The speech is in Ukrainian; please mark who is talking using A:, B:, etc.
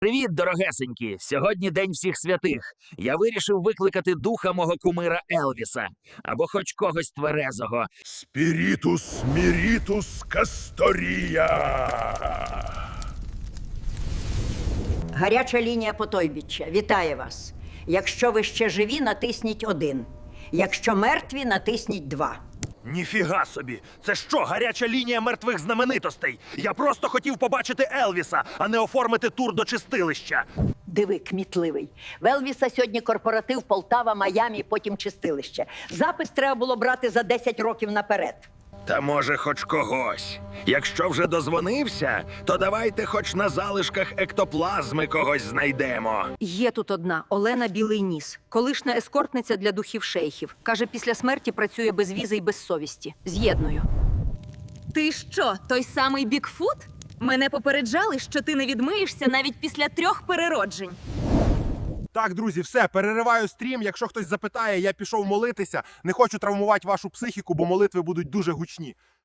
A: Привіт, дорогесенькі! Сьогодні День всіх святих. Я вирішив викликати духа мого кумира Елвіса. Або хоч когось тверезого.
B: Спірітус мірітус Касторія.
C: Гаряча лінія Потойбіччя. Вітає вас. Якщо ви ще живі, натисніть 1. Якщо мертві, натисніть 2.
D: Ніфіга собі! Це що, гаряча лінія мертвих знаменитостей? Я просто хотів побачити Елвіса, а не оформити тур до чистилища.
C: Диви, кмітливий. В Елвіса сьогодні корпоратив Полтава, Майамі, потім чистилище. Запис треба було брати за 10 років наперед.
D: Та може хоч когось. Якщо вже дозвонився, то давайте хоч на залишках ектоплазми когось знайдемо.
E: Є тут одна Олена Білий Ніс, колишня ескортниця для духів шейхів. Каже, після смерті працює без візи й без совісті. З'єдную.
F: Ти що, той самий Бікфут? Мене попереджали, що ти не відмиєшся навіть після 3 перероджень.
G: Так, друзі, все, перериваю стрім. Якщо хтось запитає, я пішов молитися. Не хочу травмувати вашу психіку, бо молитви будуть дуже гучні.